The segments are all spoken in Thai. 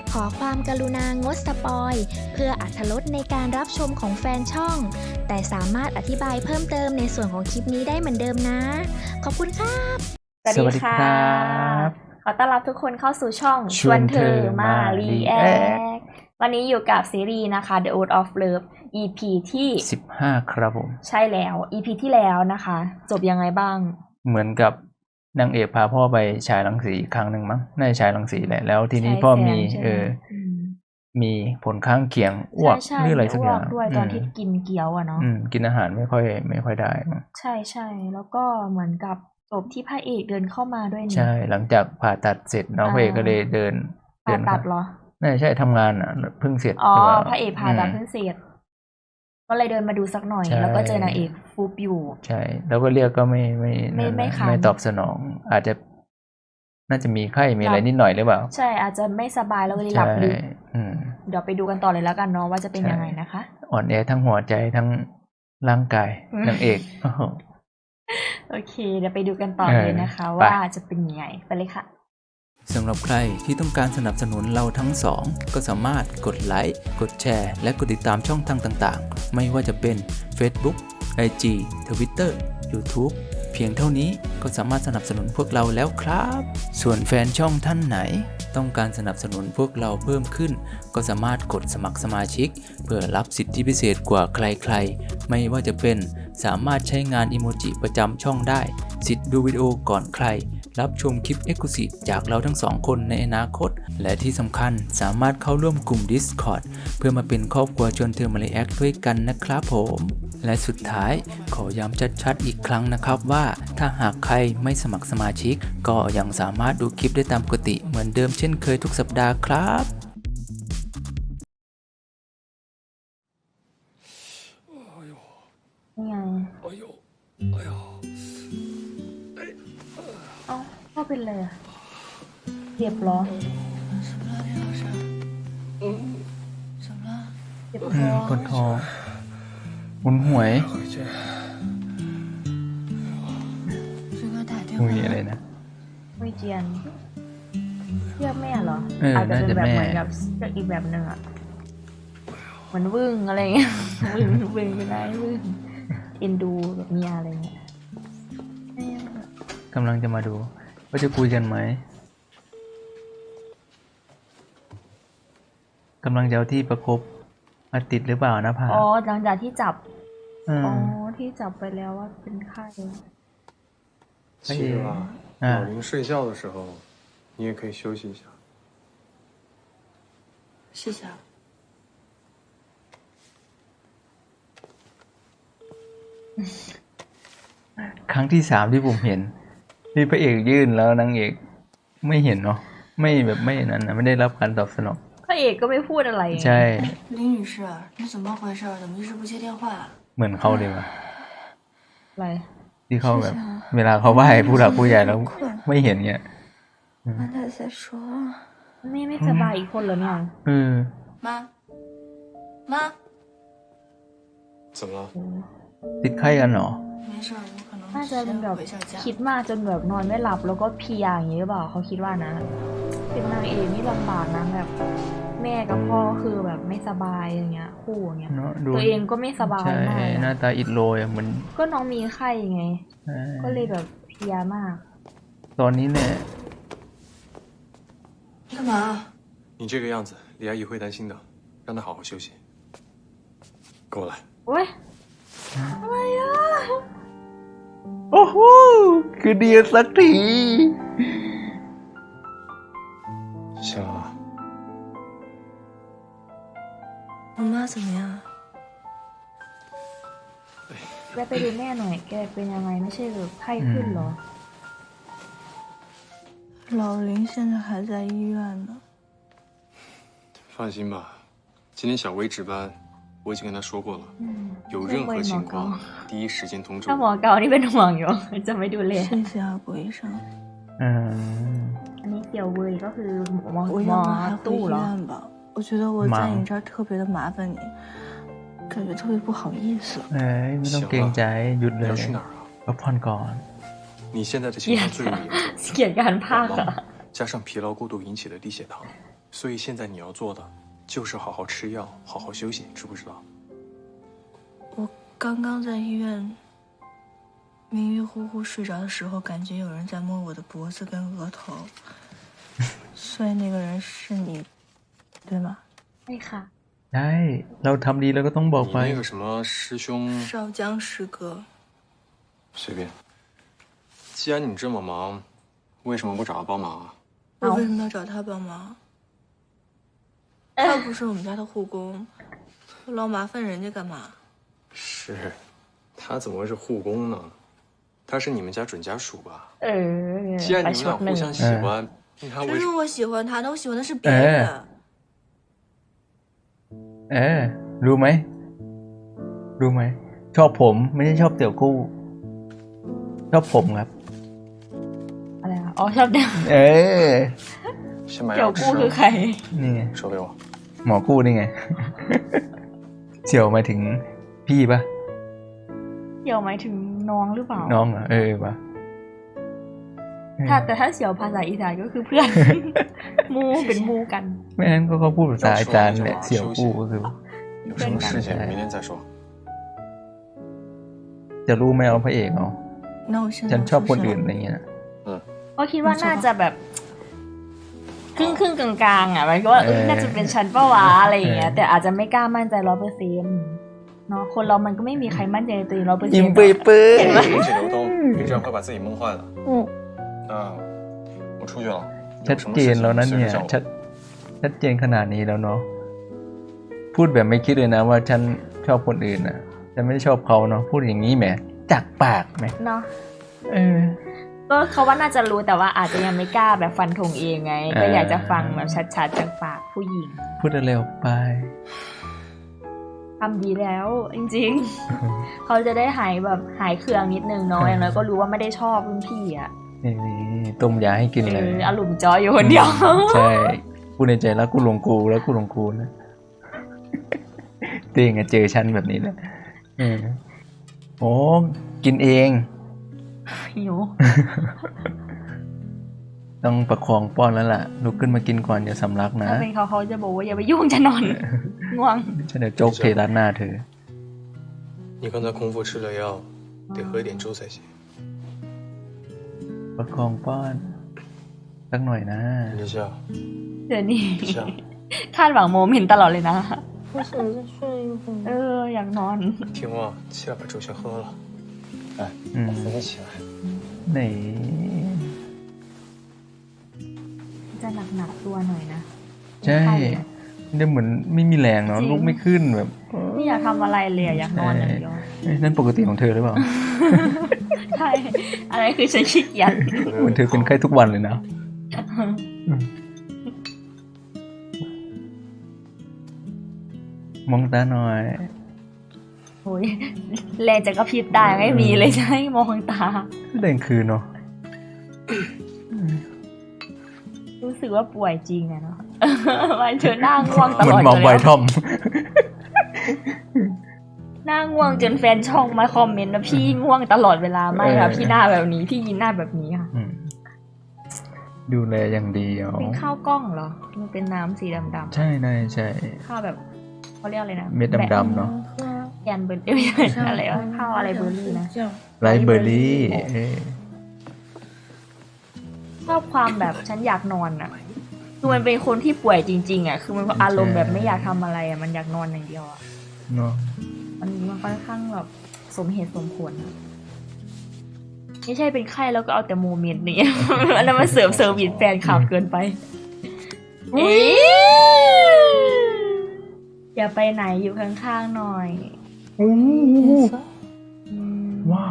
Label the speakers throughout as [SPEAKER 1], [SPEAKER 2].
[SPEAKER 1] ขอความกรุณางดสปอยเพื่ออรรถรสในการรับชมของแฟนช่องแต่สามารถอธิบายเพิ่มเติมในส่วนของคลิปนี้ได้เหมือนเดิมนะขอบคุณครับ
[SPEAKER 2] สวัสดีค่ะขอต้อนรับทุกคนเข้าสู่ช่องชวนเธอมารีแอควันนี้อยู่กับซีรีส์นะคะ The Oath of Love EP ที่
[SPEAKER 3] 15ครับผม
[SPEAKER 2] ใช่แล้ว EP ที่แล้วนะคะ จบยังไงบ้าง
[SPEAKER 3] เหมือนกับนางเอกพาพ่อไปฉายรังสีอีกครั้งหนึ่งมั้งน่าจะฉายรังสีแหละแล้วทีนี้พ่อมีมีผลข้างเคียงอ้วกหรืออะไรสักอย่าง
[SPEAKER 2] ด้วยตอนที่กินเกี๊ยวอะเนาะ
[SPEAKER 3] กินอาหารไม่ค่อยได้มั้ง
[SPEAKER 2] ใช่แล้วก็เหมือนกับจบที่พระเอกเดินเข้ามาด้วยนี่
[SPEAKER 3] ใช่หลังจากผ่าตัดเสร็จน้องพระเอกก็เลยเดิน
[SPEAKER 2] ผ่าตัดเหรอ
[SPEAKER 3] น่าใช่ทำงานอ่ะเพิ่งเสร็จ
[SPEAKER 2] พระเอกผ่าตัดเพิ่งเสร็จก็เลยเดินมาดูสักหน่อยแล้วก็เจอนางเอกฟุบอยู่
[SPEAKER 3] ใช่แล้วก็เรียกก็ไม่ตอบสนองอาจจะน่าจะมีไข้มีอะไรนิดหน่อยหรือเปล่า
[SPEAKER 2] ใช่อาจจะไม่สบายแล้วก็เลยหลับลึกเดี๋ยวไปดูกันต่อเลยแล้วกันเนาะว่าจะเป็นยังไงนะคะ
[SPEAKER 3] อ่อนแอทั้งหัวใจทั้งร่างกายนางเอก
[SPEAKER 2] โอเคเดี๋ยวไปดูกันต่อเลยนะคะว่าจะเป็นยังไงไปเลยค่ะ
[SPEAKER 4] สำหรับใครที่ต้องการสนับสนุนเราทั้งสองก็สามารถกดไลค์กดแชร์และกดติดตามช่องทางต่างๆไม่ว่าจะเป็น Facebook IG Twitter YouTube เพียงเท่านี้ก็สามารถสนับสนุนพวกเราแล้วครับส่วนแฟนช่องท่านไหนต้องการสนับสนุนพวกเราเพิ่มขึ้นก็สามารถกดสมัครสมาชิกเพื่อรับสิทธิพิเศษกว่าใครๆไม่ว่าจะเป็นสามารถใช้งานอิโมจิประจำช่องได้สิทธิ์ดูวิดีโอก่อนใครรับชมคลิป Exclusive จากเราทั้งสองคนในอนาคตและที่สำคัญสามารถเข้าร่วมกลุ่ม Discord เพื่อมาเป็นครอบครัวชวนเธอมารีแอคด้วยกันนะครับผมและสุดท้ายขอย้ำชัดๆอีกครั้งนะครับว่าถ้าหากใครไม่สมัครสมาชิกก็ยังสามารถดูคลิปได้ตามปกติเหมือนเดิมเช่นเคยทุกสัปดาห์ครับ
[SPEAKER 2] นี่ไงพ่อเป็นเลยเจ็บเหรอเจ็บท้อง
[SPEAKER 3] ปวดท้องหุนหวยมุยอะไรนะ
[SPEAKER 2] มุยเจียนเรียกแม่เหรอ
[SPEAKER 3] อาจจะเป็นแบบเหมือน
[SPEAKER 2] กับเรียกอีกแบบหนึ่งอะเหมือนวึ่งอะไรเงี้ยวึ่งเป็นไรวึ่งเอ็นดูแบบเมียอะไรเงี้ย
[SPEAKER 3] กำลังจะมาดูว่าจะคุยกันไหมกำลังจะเอาที่ประคบมาติดหรือเปล่านะพา
[SPEAKER 2] หลังจากที่จับที่จับไปแล้วว่าเป็นไข้
[SPEAKER 5] 其实啊，老林睡觉的时候，你也可以休息一下。
[SPEAKER 6] 谢谢啊。
[SPEAKER 3] ครั้งที่3ที่ผมเห็นที่พระเอกยื่นแล้วนางเอกไม่เห็นเนาะไม่แบบไม่นั้นนะไม่ได้รับการตอบสนอง
[SPEAKER 2] พระเอกก็ไม่พูดอะไร
[SPEAKER 3] ใช่
[SPEAKER 6] 林女士你怎么回事怎么一直不接电话
[SPEAKER 3] เหมือนเขาเลยว่ะ
[SPEAKER 2] อะไร
[SPEAKER 3] ที่เขาแบบเวลาเขาไหว้ผู้หลักผู้ใหญ่แล้วไม่เห็นเงี้ย
[SPEAKER 6] 妈太在说
[SPEAKER 2] ไม่สบายอีกคนเหรอเนี่ย
[SPEAKER 6] 妈
[SPEAKER 5] 怎么了
[SPEAKER 3] ติดไข้กันเหรอ
[SPEAKER 6] 没事我可能
[SPEAKER 2] น่าจะเป็นแบบคิดมากจนแบบนอนไม่หลับแล้วก็เพลียอย่างนี้หรือเปล่าเขาคิดว่านะเป็นนางเอกนี่ลำบากนะแบบแม่กับพ่อคือแบบไม่สบายอย่างเงี้ยคู่อย่างเงี้ยตัวเองก็ไม่สบายมาก
[SPEAKER 3] หน้าตาอิดโรยเหมือน
[SPEAKER 2] ก็น้องมีไข้ไงก็เลยแบบเพลียมาก
[SPEAKER 3] ตอนนี้เนี่ย
[SPEAKER 6] 干嘛
[SPEAKER 5] 你这个样子李阿姨会担心的让她好好休息跟我来
[SPEAKER 2] โอ๊ยอะไรอ่ะ
[SPEAKER 3] โอ้โหคือดีสักที
[SPEAKER 5] 香啊
[SPEAKER 6] 我妈怎么样
[SPEAKER 2] แกไปดูแม่หน่อยแกเป็นยังไงไม่ใช่แบบไข้ขึ้นเหรอ
[SPEAKER 6] 老林现在还在医院呢
[SPEAKER 5] 放心吧今天小薇值班我已经跟他说过了有任何情况第一时间通知
[SPEAKER 2] ถ้าหมอเกานี่เป็นห่วงอยู่จะไม่ดูแล
[SPEAKER 6] 谢谢啊郭医生
[SPEAKER 2] อันนี้เกี่ยวเว้ยก็คือหมอ
[SPEAKER 6] ตู้เหรอ我觉得我在你这儿特别的麻烦你感觉特别不好意思
[SPEAKER 3] ไม่ต้องเกรงใจหยุดเลยพักผ่อนก่อน
[SPEAKER 5] 你现在的情况最为严重
[SPEAKER 2] เกลียดการพาก
[SPEAKER 5] 加上疲劳过度引起的低血糖所以现在你要做的就是好好吃药，好好休息，知不知道？
[SPEAKER 6] 我刚刚在医院迷迷糊糊睡着的时候，感觉有人在摸我的脖子跟额头，所以那个人是你，对吗？
[SPEAKER 2] ใช่ค่ะ
[SPEAKER 3] ใช่เราทำดีแล้วก็ต้องบอก
[SPEAKER 5] 你
[SPEAKER 3] ไป
[SPEAKER 5] 那个什么师兄，
[SPEAKER 6] 少江师哥，
[SPEAKER 5] 随便。既然你这么忙，为什么不找他帮忙啊？
[SPEAKER 6] 我为什么要找他帮忙？他不是我们家的护工，老麻烦人家干嘛？
[SPEAKER 5] 是，他怎么会是护工呢？他是你们家准家属吧？
[SPEAKER 2] เออ
[SPEAKER 5] 既然
[SPEAKER 2] ไป
[SPEAKER 5] 你
[SPEAKER 2] ช
[SPEAKER 5] 们
[SPEAKER 2] ด หนึ่ง
[SPEAKER 5] 俩互相喜欢，那他为什么？
[SPEAKER 6] 谁说我喜欢他的？我喜欢的是别人。
[SPEAKER 3] รู้ไหมรู้ไหมชอบผมไม่ใช่ชอบเตี่ยวกู้ชอบผมครับ
[SPEAKER 2] อะไรวะอ๋อชอบเดี่ยว
[SPEAKER 3] เออ
[SPEAKER 5] 先买
[SPEAKER 2] เดี่ยว
[SPEAKER 5] 药吃
[SPEAKER 2] กู้คือใคร
[SPEAKER 3] นี่ไง
[SPEAKER 5] 手给我。
[SPEAKER 3] หมอกู้นี่ไง เสี่ยวหมายถึงพี่ปะ
[SPEAKER 2] เดี่ยวหมายถึงน้องหรือเปล่า
[SPEAKER 3] น้องเหรอปะ
[SPEAKER 2] แต่ถ้าเสี่ยวภาษาอีสานก็คือเพื่อน มูเป็นมูกัน
[SPEAKER 3] ไม่งั้นก็เขาพูดภาษาอาจารย์แหละเสี่ยวกู้ก็คือ
[SPEAKER 5] 有什么事情明天再说。
[SPEAKER 3] จะรู้ไหมเอาพระเอกเอา
[SPEAKER 6] 那我现在
[SPEAKER 3] ฉัน
[SPEAKER 6] 要
[SPEAKER 3] ชอบ
[SPEAKER 6] 出
[SPEAKER 3] คน
[SPEAKER 6] 去
[SPEAKER 3] อื่น
[SPEAKER 6] 了
[SPEAKER 3] อะไรเงี้ย
[SPEAKER 2] ก็คิดว่าน่าจะแบบครึ่งกลางๆอ่ะหมายความว่าน่าจะเป็นชั้นป้าวะอะไรอย่างเงี้ยแต่อาจจะไม่กล้ามั่นใจ100%เนาะคนเรามันก็ไม่มีใครมั่นใจในตัวเอง100%
[SPEAKER 3] ยิ้มเปื่อยเปื่อย
[SPEAKER 5] 停止流动，你这样会把自己闷坏的。那我出去了。
[SPEAKER 3] ชัดเจนแล้วนะเนี่ยชัดเจนขนาดนี้แล้วเนาะพูดแบบไม่คิดเลยนะว่าฉันชอบคนอื่นนะฉันไม่ได้ชอบเขาเนาะพูดอย่างนี้แหมจากปากไหม
[SPEAKER 2] เนาะก็เขาว่าน่าจะรู้แต่ว่าอาจจะยังไม่กล้าแบบฟันธงเองไง ก็อยากจะฟังแบบชัดๆจากปากผู้หญิง
[SPEAKER 3] พูดเร็วไป
[SPEAKER 2] ทำดีแล้วจริงๆ เขาจะได้หายแบบหายเครื่องนิดนึงเนาะอย่างน้อยก็รู้ว่าไม่ได้ชอบรุ่นพี่อ่ะ
[SPEAKER 3] นี่ต้มยาให้กินเลย
[SPEAKER 2] อารมณ์จอยอยู่คนเดียว
[SPEAKER 3] ใช่พูดในใจแล้วกูหลงกูแล้วกูหลงกูนะเต้งเจอฉันแบบนี้แหละโอ้กินเอง
[SPEAKER 2] หิว
[SPEAKER 3] ต้องประคองป้อนแล้วล่ะลุกขึ้นมากินก่อนอย่าสำลักนะ
[SPEAKER 2] ถ้าเป็นเขาจะบอกว่าอย่าไปยุ่งจะนอน ง่วง
[SPEAKER 3] ฉันเดี๋ยวโจ๊กเทราดหน้าเธอ
[SPEAKER 5] 你刚才空腹吃了药，得喝一点粥才行。
[SPEAKER 3] ประคองป้อนสักหน่อยนะ
[SPEAKER 5] 林夏，
[SPEAKER 2] เดี๋ยวนี้
[SPEAKER 5] 林夏，
[SPEAKER 2] คาดหวังโมเมนต์ตลอดเลยนะ
[SPEAKER 6] 我想再睡一会儿。
[SPEAKER 2] อยากนอน
[SPEAKER 5] 听话，起来把粥先喝了。来，我扶你起来。
[SPEAKER 3] ไหน
[SPEAKER 2] จะหนักตัวหน่อยนะ
[SPEAKER 3] ใช่เนี่ยเหมือนไม่มีแรงเนาะ
[SPEAKER 2] จริง
[SPEAKER 3] ลุกไม่ขึ้นแบบ
[SPEAKER 2] ไม่อยากทำอะไรเลยอยากนอนอย่างเดียว
[SPEAKER 3] นั่นปกติของเธอหรือเปล่า
[SPEAKER 2] ใช่ อะไรคือฉันขี้เกียจ
[SPEAKER 3] เหมือนเธอเป็นไข้ทุกวันเลยนะมองตาหน่อย
[SPEAKER 2] โอ้ยแรงจะกระพริบได้ไม่มีเลยใช่มองตา
[SPEAKER 3] เด่นคืนเนาะ
[SPEAKER 2] รู้สึกว่าป่วยจริงอะเนาะ มันเธอหน้าง่วงต
[SPEAKER 3] เหมื
[SPEAKER 2] ล
[SPEAKER 3] อ
[SPEAKER 2] อน ด
[SPEAKER 3] มอง
[SPEAKER 2] เลย
[SPEAKER 3] ไวทอม
[SPEAKER 2] หน้าง่วงจนแฟนช่องมาคอมเมนต์ว่าพี่ง่วงตลอดเวลาไม่ค่ะพี่หน้าแบบนี้พี่ยินหน้าแบบนี้ค่ะ
[SPEAKER 3] ดูแลอย่างดีอ๋อ
[SPEAKER 2] เป็นข้าวกล้องเหรอ มันเป็นน้ำสีดำ
[SPEAKER 3] ใช่นายใช่
[SPEAKER 2] ๆข้าวแบบเขาเรียกอะไรนะ
[SPEAKER 3] เม็ดดำๆเนาะ
[SPEAKER 2] แกนเบอร์รี่อะไรวะข้าวอะไรเบอร์รี่นะ
[SPEAKER 3] ไรเบอร์รี่
[SPEAKER 2] ชอบความแบบฉันอยากนอนอ่ะคือมันเป็นคนที่ป่วยจริงๆอ่ะคือมันอารมณ์แบบไม่อยากทำอะไรอ่ะมันอยากนอนอย่างเดียวอ่ะ
[SPEAKER 3] เนาะ
[SPEAKER 2] มันค่อนข้างแบบสมเหตุสมผลอะไม่ใช่เป็นไข้แล้วก็เอาแต่โมเมนต์นี้ อันนั้นมันเสริมเซอร์วิสแฟนคลับเกินไปอย่าไปไหนอยู่ข้างๆหน่อย
[SPEAKER 3] ว้าว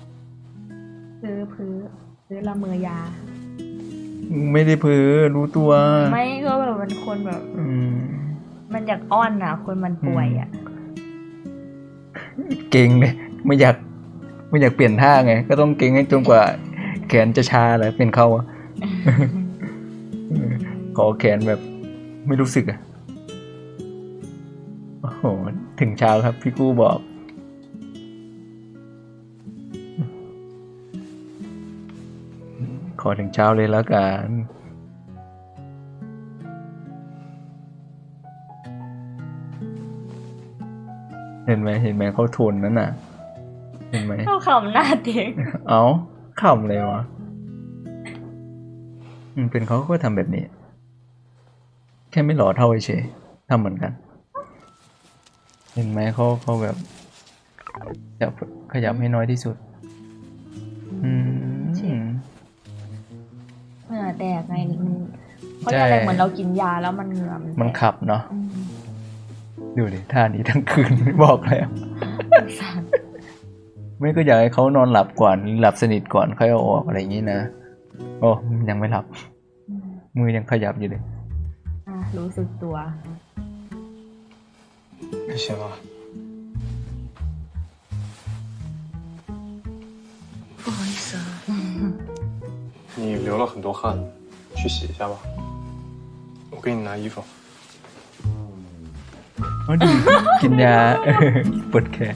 [SPEAKER 2] ซื้อละเมอยา
[SPEAKER 3] ไม่ได้เพ้อรู้ตัว
[SPEAKER 2] ไม่ก็แบบมันคนแบบ มันอยากอ้อนอ่ะ คนมันป่วยอ่ะ
[SPEAKER 3] เก่งเลยไม่อยากเปลี่ยนท่าไง ก็ต้องเก่งให้จนกว่าแขนจะชาเลยเป็นเขาอะ ขอแขนแบบไม่รู้สึกอะโอ้โหถึงเช้าครับพี่กู้บอก ขอถึงเช้าเลยแล้วกันเห็นไหมเขาทนนั่นน่ะ เห็นไหม
[SPEAKER 2] เข้าคำหน้าเด็ก
[SPEAKER 3] เอาขำเลยวะเป็นเขาก็ทำแบบนี้ แค่ไม่หล่อเท่าเฉยทำเหมือนกัน เห็นไหมเขาแบบจะขยับให้น้อยที่สุด
[SPEAKER 2] เหงื่อแตกไงมันเขาเรียกอะไรเหมือนเรากินยาแล้วมันเหงื่อมัน
[SPEAKER 3] ขับเนาะดูดิท่านี้ทั้งคืน ไม่บอกแล้ว ไม่ก็อยากให้เขานอนหลับก่อนหลับสนิทก่อนค่อยเอาออกอะไรอย่างนี้นะโอ้ยังไม่หลับ มือยังขยับอยู่เลย
[SPEAKER 2] รู้สึกตัว
[SPEAKER 5] 你醒了？
[SPEAKER 6] 不好意思啊。
[SPEAKER 5] 你流了很多汗，去洗一下吧。我给你拿衣服。
[SPEAKER 3] อ๋อดี กินยา ปวดแขน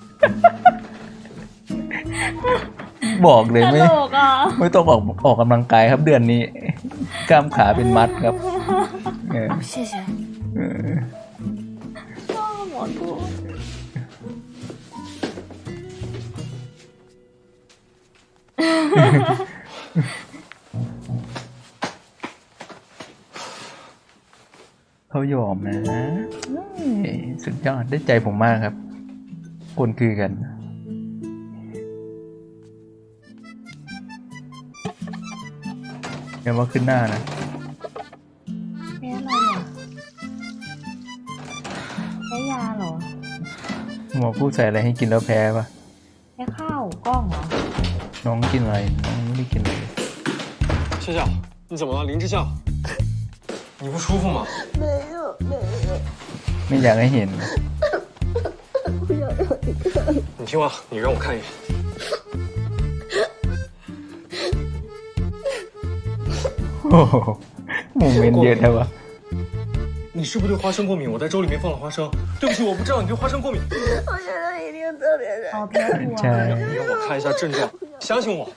[SPEAKER 3] บอกเลย
[SPEAKER 2] ต
[SPEAKER 3] ไม่
[SPEAKER 2] ลกอ่ะ
[SPEAKER 3] ไม่ต้องออกกำลังกายครับเดือนนี้ กล้ามขาเป็นมัดครับ
[SPEAKER 6] 谢谢。
[SPEAKER 2] หมอพูด
[SPEAKER 3] เขายอมนะสุดยอดได้ใจผมมากครับ คนคือกันอย่าว่าขึ้นหน้านะ
[SPEAKER 2] แพ้อะไรอ่ะแพ้ยาเหรอ
[SPEAKER 3] หมอพูดใส่อะไรให้กินแล้วแพ้ปะ
[SPEAKER 2] แพ้ข้าวกล้องเหรอ
[SPEAKER 3] น้องกินอะไรน้องไม่ได้กินเลย
[SPEAKER 5] 笑笑，你怎么了？林之笑，你不舒服吗？
[SPEAKER 3] ไม่อยากให้เห็น
[SPEAKER 5] 你听话，你让我看一眼。
[SPEAKER 3] โอ้โหโมเมนต์เยอะแต่ว่า
[SPEAKER 5] 你是不是对花生过敏？我在粥里面放了花生。对不起，我不知道你对花生过敏。
[SPEAKER 6] 我现在一定特别的。
[SPEAKER 2] อ๋อแพ้ถั่ว
[SPEAKER 3] ใช่
[SPEAKER 5] 让我看一下症状，相信我。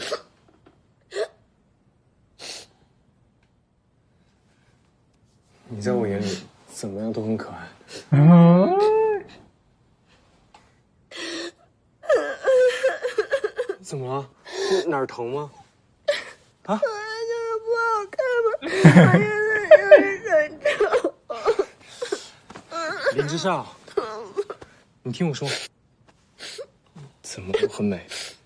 [SPEAKER 5] 你在我眼里怎么样都很可爱。 怎么了？哪儿疼吗？啊？
[SPEAKER 6] 就是不好看嘛，我现在就是很丑。
[SPEAKER 5] 林之夏，你听我说，怎么都很美。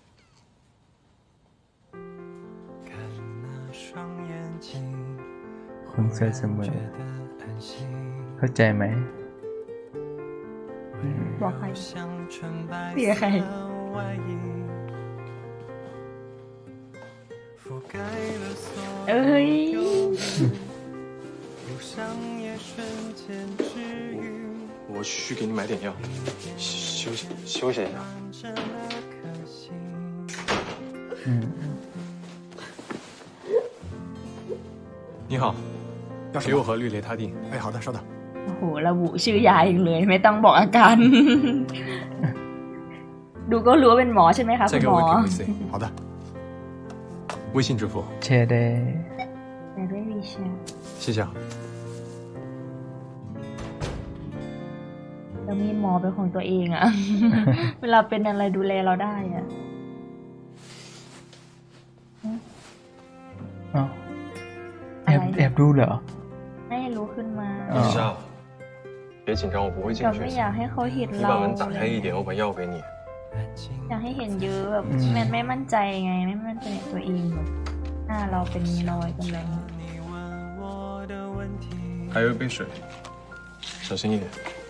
[SPEAKER 3] คนสวยเสมอเข้าใจไหม
[SPEAKER 2] บอกใครเสียใคร เอ้ย
[SPEAKER 5] 我去给你买点药，休息一下。你好，给我盒氯雷他定。
[SPEAKER 7] 哎，好的，稍等。
[SPEAKER 2] โอ้โหระบุชื่อยาเองเลย ไม่ต้องบอกอาการ ดูก็รู้ว่าเป็นหมอใช่ไหมคะคุ
[SPEAKER 5] 再
[SPEAKER 2] ณ
[SPEAKER 5] 给
[SPEAKER 2] หม
[SPEAKER 5] 我
[SPEAKER 2] อ
[SPEAKER 5] 一瓶 VC，
[SPEAKER 7] 好的，
[SPEAKER 5] 微信支付，
[SPEAKER 3] แชร์ได้
[SPEAKER 2] แต่ไม่มีแชร์
[SPEAKER 5] 谢谢啊。
[SPEAKER 2] แล้วมีหมอเป็นของตัวเองอะ เวลาเป็นอะไรดูแลเราได้อะ
[SPEAKER 3] อ้าวแอบดูเหรอ
[SPEAKER 2] ให้รู้ขึ้นมา
[SPEAKER 3] 啊
[SPEAKER 5] 林之夏，别紧张，我不会进
[SPEAKER 2] เรา
[SPEAKER 5] 去
[SPEAKER 2] ไม่。อยากให้เขาเห็น
[SPEAKER 5] 你
[SPEAKER 2] เรา
[SPEAKER 5] 把门打开一点，我把药给你。
[SPEAKER 2] อยากให้เห็นเยอะแบบมันไม่มั่นใจไง ไม่มั่นใจในตัวเองแบบหน้าเราเป็นรอยเป็นอะไรเงี้ย
[SPEAKER 5] 还有一杯水，小心一点。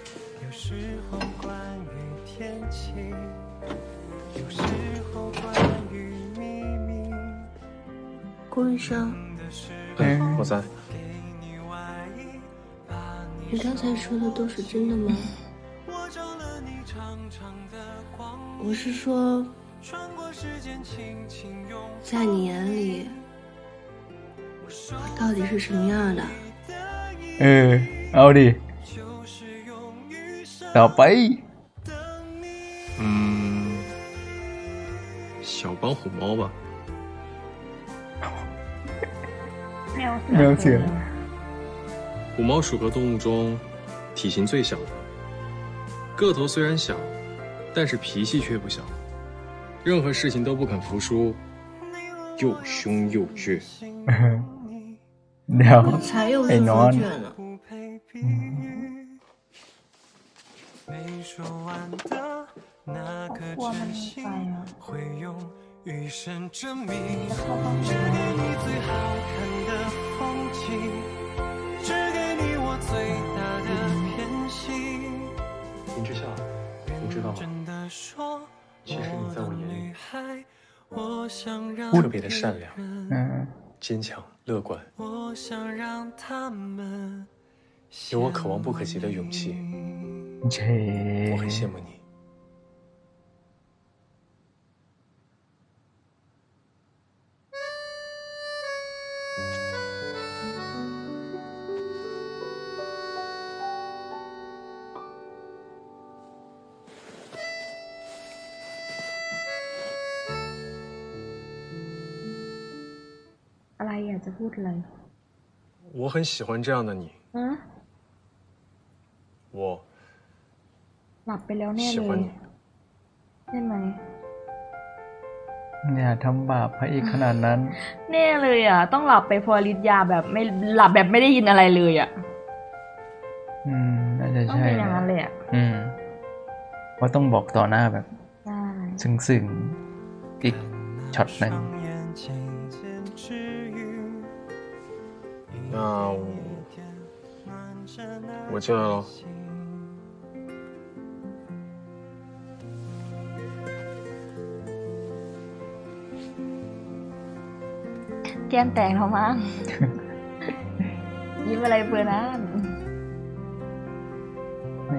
[SPEAKER 6] 郭医生，
[SPEAKER 5] 嗯，我在。
[SPEAKER 6] 你刚才说的都是真的吗？我是说，在你眼里，我到底是什么样的？
[SPEAKER 3] เอาดิต่อไป
[SPEAKER 5] 嗯，小帮虎猫吧。
[SPEAKER 2] แมวเสือ
[SPEAKER 5] 虎猫属和动物中体型最小的， 个头虽然小，但是脾气却不小，任何事情都不肯服输，又凶又倔。
[SPEAKER 3] เดี๋ยว
[SPEAKER 6] 我才又
[SPEAKER 3] 哎
[SPEAKER 6] 是不
[SPEAKER 3] นอน
[SPEAKER 6] 倔呢。
[SPEAKER 2] กลัวมันไปอ่ะ
[SPEAKER 7] 余生证明
[SPEAKER 2] จะเข้าบ้านไหม
[SPEAKER 7] 最好看的风景，只给你我最大的偏心。
[SPEAKER 5] 林之夏，你知道吗？
[SPEAKER 7] 真的说，
[SPEAKER 5] 其实你在我眼里
[SPEAKER 7] 我想让
[SPEAKER 5] 特别的善良、
[SPEAKER 3] อืม
[SPEAKER 5] 坚强、乐观，
[SPEAKER 7] 我想让他们
[SPEAKER 5] 有我可望不可及的勇气。
[SPEAKER 3] เช
[SPEAKER 5] 我很羡慕你。
[SPEAKER 2] อะไรอยากจะพูดอะไร
[SPEAKER 5] 我很喜欢这样的你，
[SPEAKER 2] ฮะ
[SPEAKER 5] 我
[SPEAKER 2] หลับไปแล้วแน่
[SPEAKER 5] 喜
[SPEAKER 2] เล
[SPEAKER 5] 欢
[SPEAKER 2] ย
[SPEAKER 5] 你。
[SPEAKER 2] ใช่ไหม
[SPEAKER 3] อย่าทำบาปพระเอกขนาดนั้น
[SPEAKER 2] แน่เลยอ่ะ ต้องหลับไปพอฤทธิ์ยาแบบไม่หลับแบบไม่ได้ยินอะไรเลยอ่ะ
[SPEAKER 3] น่าจะ
[SPEAKER 2] ต้อง
[SPEAKER 3] ใช่
[SPEAKER 2] เป็นอย่างนั้นเลยอ่ะ
[SPEAKER 3] เพราะต้องบอกต่อหน้าแบบ
[SPEAKER 2] ใช่
[SPEAKER 3] ซึ้งๆอีกช็อตหนึง
[SPEAKER 5] 那我进来了。
[SPEAKER 2] แก้มแตกแล้วมั้ง ยิ้มอะไรเบอร์นั้น
[SPEAKER 3] นี่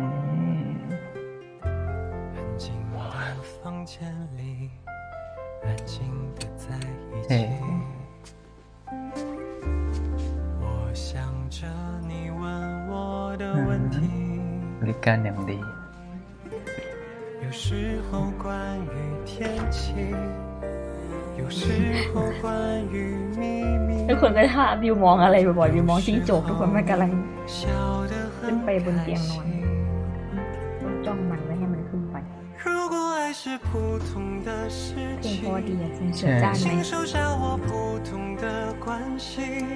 [SPEAKER 7] 安静的房间里，安静的在一
[SPEAKER 3] เอ๊ะ
[SPEAKER 7] 起。我想着你问我的问题，
[SPEAKER 3] บริการอย่างดี
[SPEAKER 7] 有时候关于天气，有时候关于秘密。
[SPEAKER 2] ทุกคนก็ถ้าวิวมองอะไรบ่อยๆวิวมองจิ้งจกทุกคนมันกำลัง
[SPEAKER 7] 笑得
[SPEAKER 2] ขึ้น
[SPEAKER 7] 很
[SPEAKER 2] ไปบนเตียงนอน
[SPEAKER 7] 开心。
[SPEAKER 2] ต้องจ้องมันไม่ให้มันขึ้นไป
[SPEAKER 7] 如果爱是普通的事
[SPEAKER 2] เพลง
[SPEAKER 7] 情
[SPEAKER 2] เพราะ。ดีอ่ะจริงเสือจ้านไหม
[SPEAKER 7] 请收下我普通的关心，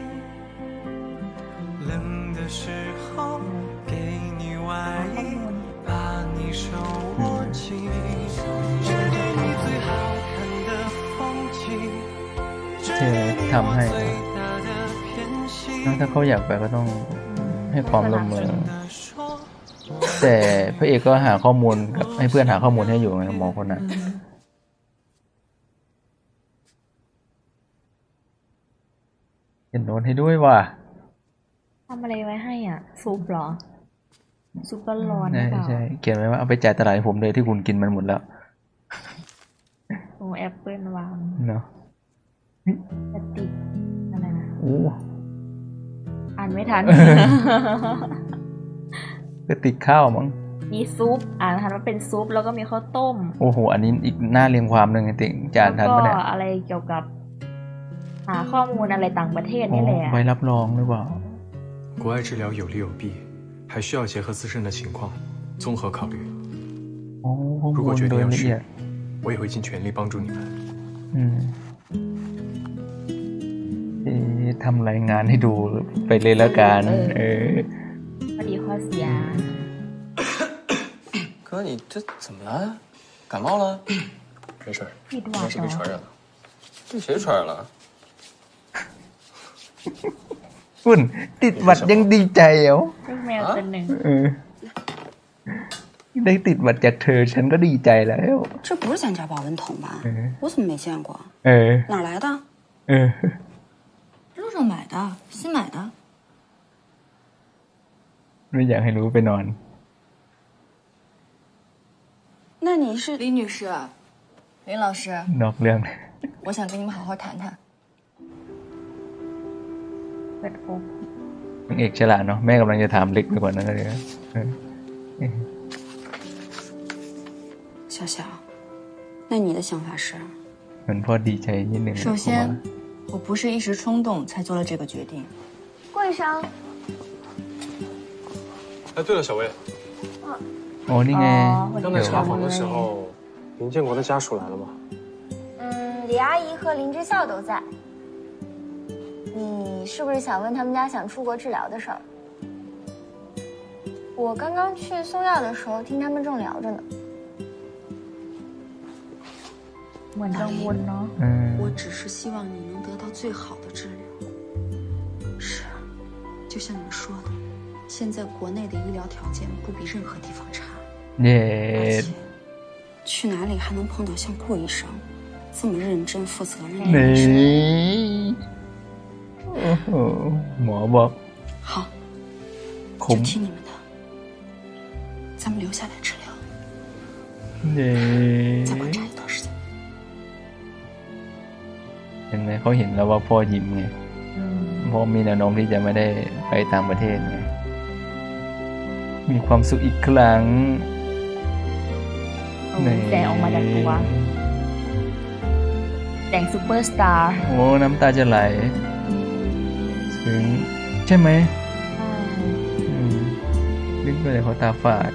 [SPEAKER 7] 冷的时候给你外衣，把你手握紧，只给你最好看的风景，只给你我最大的偏心。
[SPEAKER 3] ถ้าเขาอยากไปก็ต้องให้ความร่วมมือ
[SPEAKER 7] 真的说，
[SPEAKER 3] แต่พระเอกก็หาข้อมูลกับให้เพื่อนหาข้อมูลให้อยู่ไงหมอคนนั้นเขียนโน้ตให้ด้วยว่ะ
[SPEAKER 2] ทำอะไรไว้ให้อ่ะ ซุปเหรอ ซุปร้อนๆหรื
[SPEAKER 3] ใช่
[SPEAKER 2] อเปล่า
[SPEAKER 3] ใช่เขียนไว้ว่าเอาไปจ่ายตลาดให้ผมเลยที่คุณกินมันหมดแล้ว
[SPEAKER 2] โอ้แอปเปิลวาง
[SPEAKER 3] เนาะ
[SPEAKER 2] กระติกอะไรนะ
[SPEAKER 3] โอ้
[SPEAKER 2] อ่านไม่ทัน
[SPEAKER 3] กระติกข้าวมั้ง
[SPEAKER 2] มีซุป อ่านทันว่าเป็นซุป แล้วก็มีข้าวต้ม
[SPEAKER 3] โอ้โหอันนี้อีกหน้าเรียงความหนึ่งจริงจานทัน
[SPEAKER 2] แล้ว
[SPEAKER 3] ปะ
[SPEAKER 2] ก็
[SPEAKER 3] เนี่ย
[SPEAKER 2] อะไรเกี่ยวกับ หาข้อมูลอะไรต่างประเทศ
[SPEAKER 3] โอ้
[SPEAKER 2] นี่แหละ
[SPEAKER 3] ใบรับรองหรือเปล่า
[SPEAKER 5] 国外治疗有利有弊，还需要结合自身的情况综合考虑。
[SPEAKER 3] โอ้ข้อ
[SPEAKER 5] 如
[SPEAKER 3] มู
[SPEAKER 5] 果
[SPEAKER 3] ล
[SPEAKER 5] 决
[SPEAKER 3] โด
[SPEAKER 5] 定
[SPEAKER 3] ย
[SPEAKER 5] 要
[SPEAKER 3] ละเอีย
[SPEAKER 5] 去
[SPEAKER 3] ด，
[SPEAKER 5] 我也会尽全力帮助你们。
[SPEAKER 3] อืมทำรายงานให้ดูไปเลยแล้วกัน
[SPEAKER 2] ข้อดีข้อเสีย
[SPEAKER 8] 哥，你这怎么了？感冒了？
[SPEAKER 5] 没事儿，
[SPEAKER 2] ผิดห
[SPEAKER 5] 应
[SPEAKER 2] วั
[SPEAKER 5] 该
[SPEAKER 2] ด
[SPEAKER 5] 是
[SPEAKER 2] เหร
[SPEAKER 5] 被
[SPEAKER 2] อ
[SPEAKER 5] 传染了。
[SPEAKER 8] 被谁传染了？
[SPEAKER 3] ฝุ่นติดหวัดยังดีใจเหรอ
[SPEAKER 2] ลูกแมวตัวหนึ่ง
[SPEAKER 3] ได้ติดหวัดจากเธอฉันก็ดีใจแล้ว
[SPEAKER 9] 这不是咱家保温桶吧？我怎么没见过？哪儿来的？
[SPEAKER 6] 路上买的，新买的。
[SPEAKER 3] ไม่อยากให้รู้ไปนอน
[SPEAKER 9] 那你是
[SPEAKER 6] 李女士，林老师，
[SPEAKER 3] นอกเรื่อง
[SPEAKER 6] 我想跟你们好好谈谈。
[SPEAKER 2] เปิดโอก
[SPEAKER 3] นางเอกฉลาดเนาะแม่กำลังจะถามลึกไปกว่านั้นเลยนะ
[SPEAKER 9] 小小，那你的想法是？
[SPEAKER 3] เหมือนพ่อดีใจนิดนึง
[SPEAKER 6] 首先，我不是一时冲动才做了这个决定。
[SPEAKER 1] 桂生，
[SPEAKER 5] 哎，对了，小薇，
[SPEAKER 3] อ๋อนี่ไง
[SPEAKER 5] 刚才查访的时候，林建国的家属来了吗？
[SPEAKER 10] 李阿姨和林之孝都在。你是不是想问他们家想出国治疗的事儿？我刚刚去送药的时候，听他们正聊着呢。
[SPEAKER 2] เหมือนกังวลเนาะ
[SPEAKER 9] 我只是希望你能得到最好的治疗。是啊，就像你们说的，现在国内的医疗条件不比任何地方差。
[SPEAKER 3] เย้
[SPEAKER 9] 而且去哪里还能碰到像顾医生这么认真负责任的
[SPEAKER 3] นี่
[SPEAKER 9] 医生？
[SPEAKER 3] โอ้โหหมอบอก
[SPEAKER 9] 好，
[SPEAKER 3] ค
[SPEAKER 9] 就
[SPEAKER 3] ม
[SPEAKER 9] 听你们的，咱们留下来治疗，
[SPEAKER 3] เย้
[SPEAKER 9] 再观察一段时间。
[SPEAKER 3] เห็นไหมเขาเห็นแล้วว่าพ่อยิ้มไงพ่อมีแนวโน้มที่จะไม่ได้ไปต่างประเทศไงมีความสุขอีกครั้ง
[SPEAKER 2] แสงออกมาจากตัวแสงซูเปอร์สตาร์
[SPEAKER 3] โอ้น้ำตาจะไหลถึงใช่ไหมนึกไปเลยเขาตาฝาด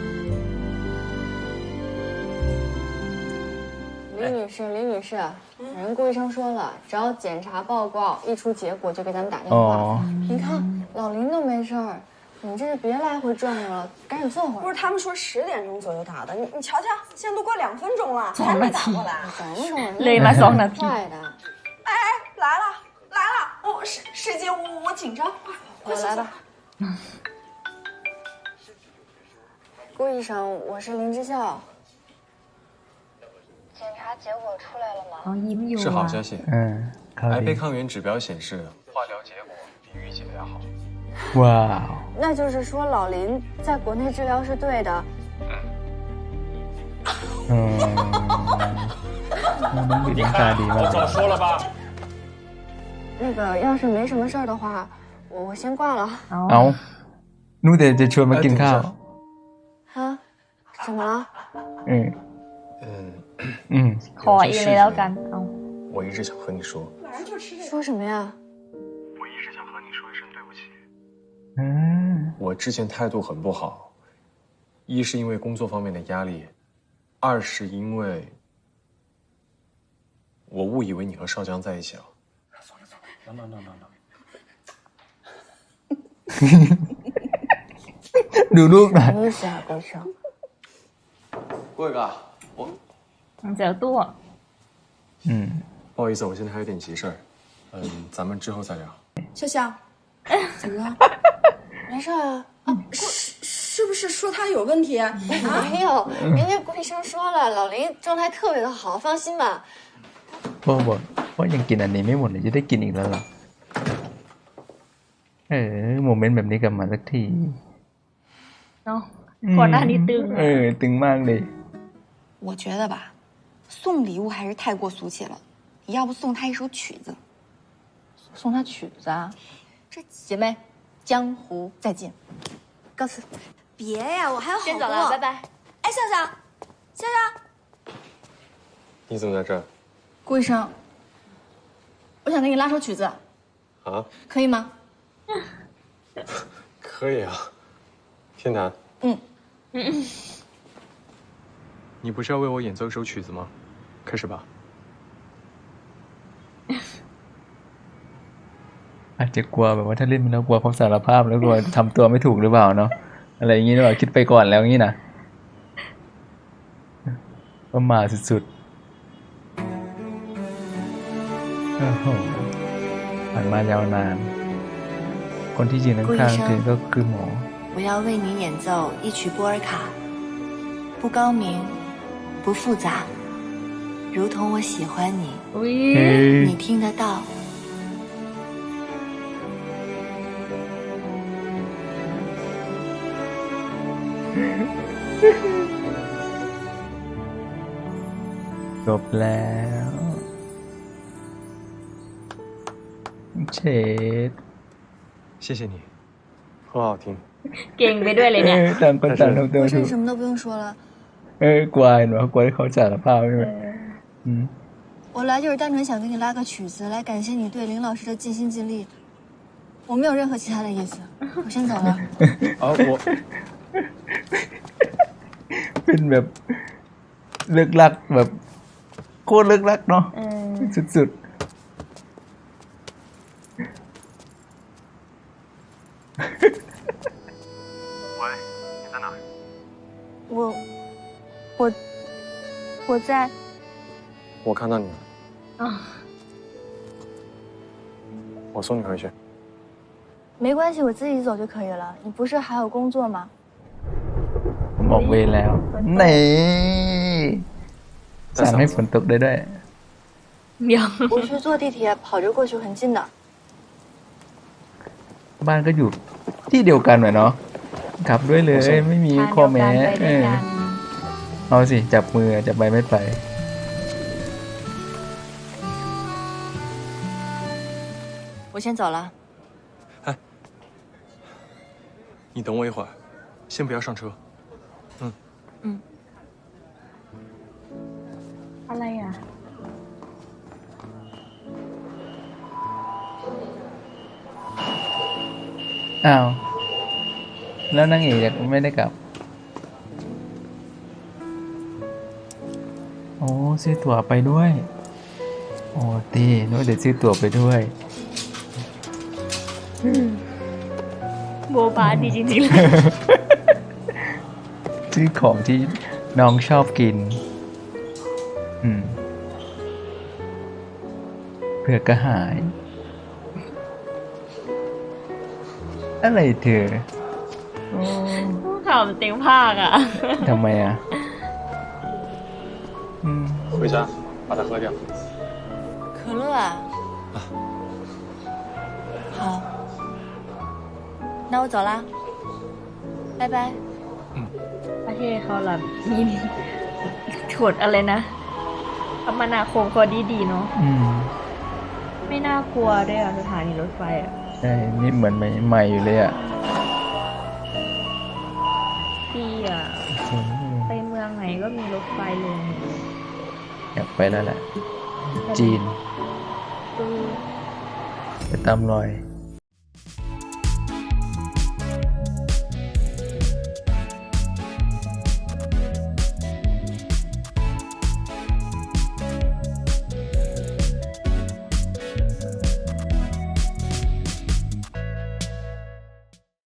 [SPEAKER 10] 李女士，人顾医生说了，只要检查报告一出结果就给咱们打电话。
[SPEAKER 3] 哦
[SPEAKER 10] 你看老林都没事儿，你这是别来回转悠了，赶紧坐会儿。
[SPEAKER 11] 不是他们说10点钟左右打的，你瞧瞧，现在都过2分钟了，还没打过来。
[SPEAKER 10] 等会儿，
[SPEAKER 2] เลยมา2 นาที
[SPEAKER 10] 快的。
[SPEAKER 11] 哎，来了来了，师姐，我紧张，快
[SPEAKER 10] 来吧。顾医生，我是林之孝。检查结果出来了吗？
[SPEAKER 2] เขายิ้มอยู่
[SPEAKER 5] 是好消息。
[SPEAKER 3] ข่าว
[SPEAKER 5] 癌
[SPEAKER 3] ดี
[SPEAKER 5] 胚抗原指标显示，化疗结果比预期的要好。
[SPEAKER 3] ว้าว
[SPEAKER 10] 那就是说老林在国内治疗是对的。
[SPEAKER 3] น้องบิดน้ำตาดีมาก
[SPEAKER 5] 早说了吧。
[SPEAKER 10] 那个要是没什么事儿的话，我先挂了。
[SPEAKER 3] เอานู่นแต่จะชวนมากินข้าว
[SPEAKER 10] 啊？怎么了？
[SPEAKER 2] ขอเองเลยแล้วกันเอา
[SPEAKER 5] 我一直想和你说。
[SPEAKER 10] 说什么呀？
[SPEAKER 5] 我一直想和你说一声对不起。我之前态度很不好，一是因为工作方面的压力，二是因为我误以为你和少江在一起了。
[SPEAKER 3] ดูลูกหน่อย
[SPEAKER 10] 什么意思啊，顾医生？
[SPEAKER 8] 郭伟哥，我
[SPEAKER 2] เจอตัว
[SPEAKER 5] 不好意思，我现在还有点急事儿，咱们之后再聊。
[SPEAKER 9] 笑笑，怎么了？
[SPEAKER 10] 没事啊。
[SPEAKER 9] 是不是说他有问题？
[SPEAKER 10] 没有，人家顾医生说了，老林状态特别的好，放心吧。
[SPEAKER 3] พ่อบอกว่ายังกินอันนี้ไม่หมดเลยจะได้กินอีกแล้วเหรอโมเมนต์แบบนี้กลับมาสักที
[SPEAKER 2] เนาะก่อนหน้านี้ตึง
[SPEAKER 3] ตึงมากเลย
[SPEAKER 9] 我觉得吧，送礼物还是太过俗气了，你要不送他一首曲子？
[SPEAKER 2] 送他曲子啊？
[SPEAKER 9] 这姐妹，江湖再见，告辞。
[SPEAKER 11] 别呀，我还有好多。
[SPEAKER 10] 先走了，拜拜。
[SPEAKER 11] 哎，笑笑，笑笑，
[SPEAKER 5] 你怎么在这儿？
[SPEAKER 9] 顾医生，我想给你拉首曲子，
[SPEAKER 5] 啊？
[SPEAKER 9] 可以吗？
[SPEAKER 5] 可以啊，天坛。你不是要为我演奏一首曲子吗？开始吧。
[SPEAKER 3] อาจจะกลัวแบบว่าถ้าเล่นมันแล้วกลัวเขาสารภาพแล้วกลัวทำตัวไม่ถูกหรือเปล่าเนาะอะไรอย่างงี้หรือเปล่าคิดไปก่อนแล้วงี้นะประมาทสุดๆโอ้โหผ่านมายาวนานคนที่ยืนข้างๆเธอก็คือหมอ
[SPEAKER 6] 我要为你演奏一曲波尔卡，不高明，不复杂，如同我喜欢你，
[SPEAKER 2] อุ้ย
[SPEAKER 6] 你听得到。
[SPEAKER 3] จบแล้วเชด
[SPEAKER 5] 谢谢你，很好听。
[SPEAKER 2] เก่งไปด้วยเลยเนี่ย
[SPEAKER 3] ต่างคนต่างทำตัว
[SPEAKER 10] 我
[SPEAKER 3] ถู
[SPEAKER 10] 这
[SPEAKER 3] ก
[SPEAKER 10] 什么都不用说了，
[SPEAKER 3] กลัวเนาะกลัวที่เขาสารภาพใช่ไหม
[SPEAKER 10] 我来就是单纯想给你拉个曲子，来感谢你对林老师的尽心尽力。我没有任何其他的意思，我先走了。
[SPEAKER 5] 啊，
[SPEAKER 3] เป็นแบบเลิกลักแบบโคตรเลิกลักเนาะสุด
[SPEAKER 5] 喂，你在哪儿？
[SPEAKER 6] 我在。
[SPEAKER 5] 我看到你了。
[SPEAKER 6] 啊，
[SPEAKER 5] 我送你回去。
[SPEAKER 6] 没关系，我自己走就可以了。你不是还有工作吗？
[SPEAKER 3] ผมออกเวรแล้วนี่สั่งให้ฝนตกได้ด้วย
[SPEAKER 6] 我去坐地铁，跑着过去很近的。
[SPEAKER 3] บ้านก็อยู่ที่เดียวกันเหรอเนาะกลับด้วยเลยไม่มีข้อแม้เอาสิจับมือจับไปไม่ไป
[SPEAKER 6] 我先走了。
[SPEAKER 5] 你等我一会儿，先不要上车。
[SPEAKER 2] อะไรอ่ะ
[SPEAKER 3] อ้าวแล้วนางเอกยังไม่ได้กลับโอ้ซื้อตั๋วไปด้วยโอ้ตีนู้นเดี๋ยวซื้อตั๋วไปด้วย
[SPEAKER 2] โบบาดีจริงๆเลย
[SPEAKER 3] ซื้อของที่น้องชอบกินเผื่อกระหาย อะไรเธอ
[SPEAKER 2] ข่าวมันเต็มภาคอ่ะ
[SPEAKER 3] ทำไมอ่ะ
[SPEAKER 5] 回家把它喝掉。
[SPEAKER 6] 可乐啊？好，那我走啦，拜拜。
[SPEAKER 2] ประเทศเขาแบบมีกฎอะไรนะคมนาคมก็ดีๆเนาะไม่น่ากลัวด้วยอ่ะสถานีรถไฟอ่ะ
[SPEAKER 3] ใช่ นี่เหมือนใหม่อยู่เลยอ่ะ
[SPEAKER 2] ดีอ่ะ ไปเมืองไหนก็มีรถไฟลง
[SPEAKER 3] อยากไปแล้วแหละ จีน ไปตามรอย